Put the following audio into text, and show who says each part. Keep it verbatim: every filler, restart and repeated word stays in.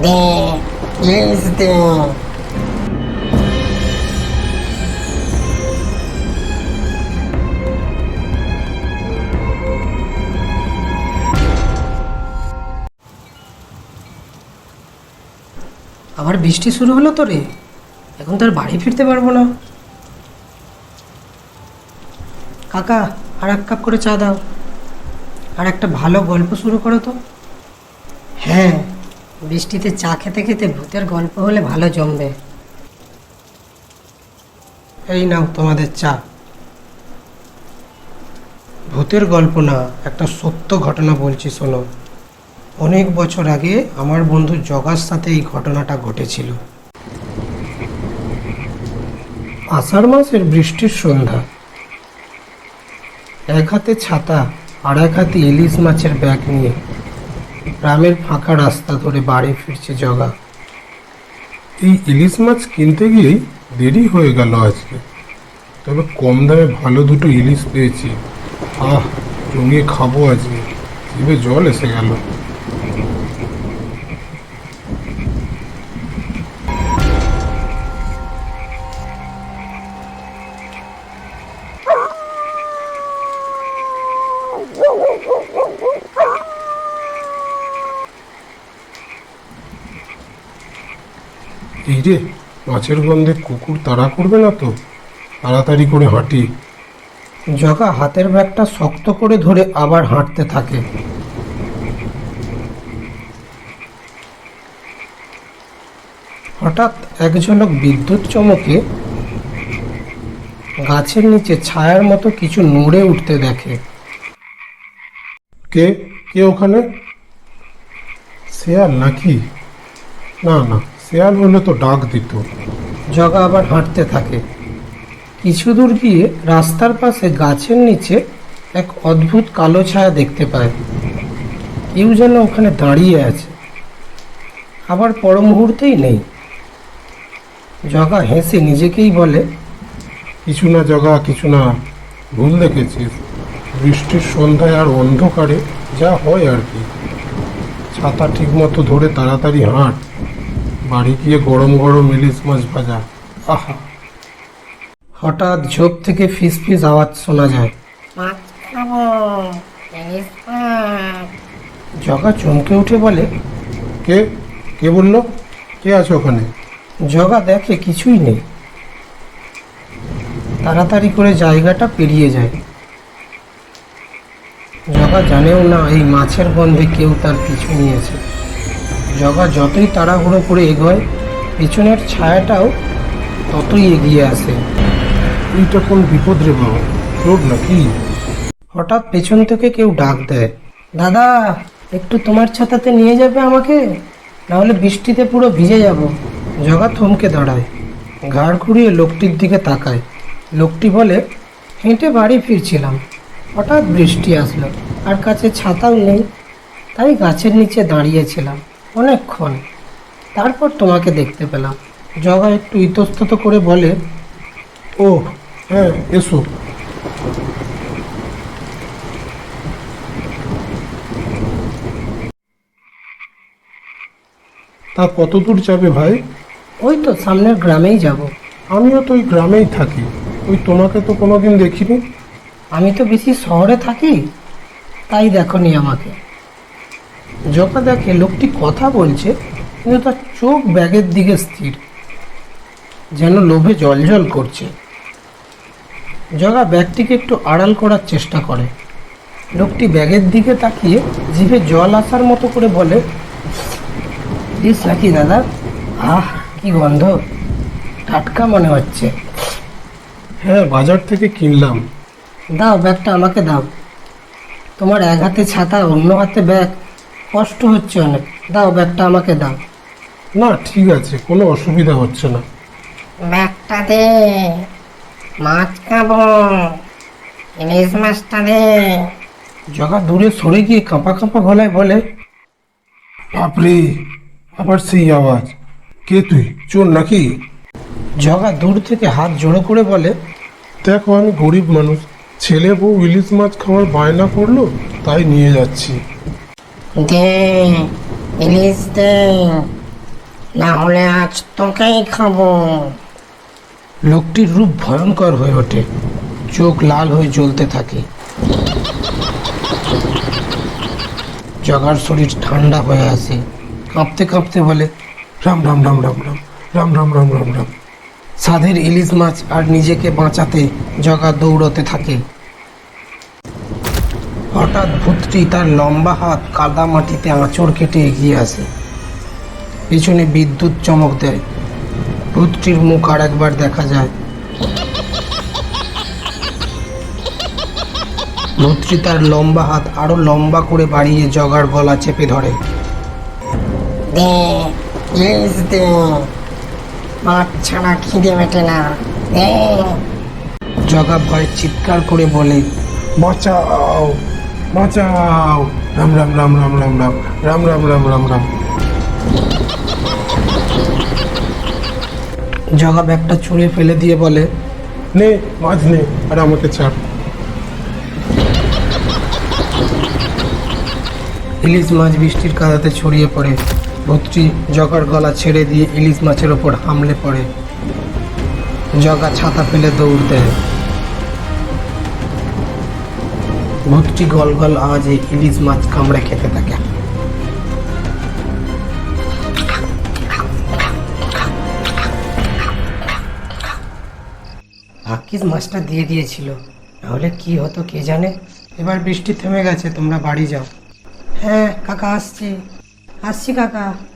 Speaker 1: দে, ইলিশ দে।
Speaker 2: আবার বৃষ্টি শুরু হলো তো রে, এখন তো আর বাড়ি ফিরতে পারবো না। কাকা, আর এক কাপ করে চা দাও, আর একটা ভালো গল্প শুরু করো তো। হ্যাঁ, বৃষ্টিতে চা খেতে খেতে ভূতের গল্প হলে ভালো জমবে। এই নাও তোমাদের চা। ভূতের গল্প না, একটা সত্য ঘটনা বলছি শোনো। অনেক বছর আগে আমার বন্ধু জগার সাথে এই ঘটনাটা ঘটেছিল। আষাঢ় মাসের বৃষ্টির সন্ধ্যা। এক হাতে ছাতা আর এক হাতে ইলিশ মাছের ব্যাগ নিয়ে গ্রামের ফাঁকা রাস্তা ধরে বাড়ি ফিরছে জগা।
Speaker 3: এই ইলিশ মাছ কিনতে গিয়েই দেরি হয়ে গেল আজকে। তবে কম দামে ভালো দুটো ইলিশ পেয়েছি। আহ, জমিয়ে খাবো আজকে। জিভে জল এসে গেল। এই রে, মাছের গন্ধে কুকুর তাড়া করবে না তো? তাড়াতাড়ি করে হাঁটি।
Speaker 2: জগা হাতের ব্যাগটা শক্ত করে ধরে আবার হাঁটতে থাকে। হঠাৎ এক ঝলক বিদ্যুৎ চমকে গাছের নিচে ছায়ার মতো কিছু নড়ে উঠতে দেখে।
Speaker 3: কে কে ওখানে? শেয়াল নাকি? না না, শেয়াল হলে তো ডাক দিত।
Speaker 2: জগা আবার হাঁটতে থাকে। কিছু দূর গিয়ে রাস্তার পাশে গাছের নিচে এক অদ্ভুত কালো ছায়া দেখতে পায়। কেউ যেন ওখানে দাঁড়িয়ে আছে, আবার পর মুহূর্তেই নেই। জগা হেসে নিজেকেই বলে,
Speaker 3: কিছু না জগা, কিছু না। ভুল দেখেছিস। বৃষ্টির সন্ধ্যায় আর অন্ধকারে যা হয় আর কি। ছাতা ঠিক মতো ধরে তাড়াতাড়ি হাঁট। বাড়ি গিয়ে গরম গরম ইলিশ মাছ ভাজা। আহা!
Speaker 2: হঠাৎ ঝোপ থেকে ফিস ফিস আওয়াজ শোনা যায়।
Speaker 1: মাছ খাবো, ইলিশ মাছ।
Speaker 2: জগা চমকে উঠে বলে,
Speaker 3: কে কে বললো? কে আছে ওখানে?
Speaker 2: জগা দেখে কিছুই নেই। তাড়াতাড়ি করে জায়গাটা পেরিয়ে যায়। জগা জানেও না এই মাছের গন্ধে কেউ তার পিছু নিয়েছে। জগা যতই তাড়াহুড়ো করে এগোয়, পিছনের ছায়াটাও ততই এগিয়ে আসে।
Speaker 3: এইটা কোন বিপদ রে বাবা? চোর নাকি?
Speaker 2: হঠাৎ পেছন থেকে কেউ ডাক দেয়, দাদা, একটু তোমার ছাতাতে নিয়ে যাবে আমাকে, নাহলে বৃষ্টিতে পুরো ভিজে যাব। জগা থমকে দাঁড়ায়, ঘাড় ঘুরিয়ে লোকটির দিকে তাকায়। লোকটি বলে, হেঁটে বাড়ি ফিরছিলাম, হঠাৎ বৃষ্টি আসলো, আর কাছে ছাতাও নেই, তাই গাছের নিচে দাঁড়িয়েছিলাম অনেকক্ষণ, তারপর তোমাকে দেখতে পেলাম। জগা একটু ইতস্তত করে বলে,
Speaker 3: ও হ্যাঁ, এসো। তা কত দূর যাবে ভাই?
Speaker 2: ওই তো সামনের গ্রামেই যাব।
Speaker 3: আমিও তো ওই গ্রামেই থাকি। ওই তোমাকে তো কোনোদিন দেখিনি।
Speaker 2: আমি তো বেশি শহরে থাকি, তাই দেখনি আমাকে। জগা দেখে লোকটি কথা বলছে, কিন্তু তার চোখ ব্যাগের দিকে স্থির, যেন লোভে জলজল করছে। জগা ব্যাগটিকে একটু আড়াল করার চেষ্টা করে। লোকটি ব্যাগের দিকে তাকিয়ে জিভে জল আসার মতো করে বলে, প্লিজ নাকি দাদা? আহ, কি গন্ধ, টাটকা মনে হচ্ছে।
Speaker 3: হ্যাঁ, বাজার থেকে কিনলাম।
Speaker 2: দাও, ব্যাগটা আমাকে দাও। তোমার এক হাতে ছাতা, অন্য হাতে ব্যাগ, কষ্ট হচ্ছে অনেক। দাও, ব্যাগটা আমাকে দাও।
Speaker 3: না ঠিক আছে, কোনো অসুবিধা হচ্ছে না।
Speaker 1: ব্যাগটা দে, মাছ খাবো, ইলিশ মাছটা দে।
Speaker 2: জগা দূরে সরে গিয়ে কাঁপা কাঁপা গলায় বলে,
Speaker 3: বাপরে, আবার সেই আওয়াজ। কে তুই, চোর নাকি?
Speaker 2: জগা দূর থেকে হাত জোড়ো করে বলে,
Speaker 3: দেখো, আমি গরিব মানুষ, ছেলে বউ ইলিশ মাছ খাওয়ার বায়না করলো, তাই নিয়ে যাচ্ছি।
Speaker 1: দে, ইলিশ দে। না হলে আজ তোকেই খাবো।
Speaker 2: লোকটির রূপ ভয়ঙ্কর হয়ে ওঠে, চোখ লাল হয়ে জ্বলতে থাকে। জগার শরীর ঠান্ডা হয়ে আসে, কাঁপতে কাঁপতে বলে,
Speaker 3: রাম রাম রাম রাম রাম রাম রাম রাম রাম রাম।
Speaker 2: সাধের ইলিশ মাছ আর নিজেকে বাঁচাতে জগা দৌড়তে থাকে। হঠাৎ ভূতটি তার লম্বা হাত কাদা মাটিতে আঁচড় কেটে এগিয়ে আসে, পিছনে বিদ্যুৎ চমক দেয়। ভূতটির মুখ আর একবার দেখা যায়। ভূতটি তার লম্বা হাত আরো লম্বা করে বাড়িয়ে জগার গলা চেপে ধরে।
Speaker 1: দে ইলিশ দে, মাছ ছাড়া খিদে মেটে না। দে।
Speaker 2: জগা ভয়ে চিৎকার করে বলে,
Speaker 3: বাঁচাও বাঁচাও, রাম রাম রাম রাম রাম রাম রাম রাম রাম রাম রাম।
Speaker 2: জগা ব্যাগটা ছুঁড়ে ফেলে দিয়ে বলে,
Speaker 3: নে মাছ নে, আর আমাকে ছাড়।
Speaker 2: ইলিশ মাছ বৃষ্টির কাদাতে ছড়িয়ে পড়ে। ভূতটি জগার গলা ছেড়ে দিয়ে ইলিশ মাছের ওপর হামলে পড়ে। জগা ছাতা ফেলে দৌড় দেয়। ভূতটি গল গল আওয়াজে ইলিশ মাছ কামড়ে খেতে থাকে। ভাগ্যিস মাছটা দিয়ে দিয়েছিল, নাহলে কি হতো কে জানে। এবার বৃষ্টি থেমে গেছে, তোমরা বাড়ি যাও। হ্যাঁ কাকা, আসছি আসছি কাকা।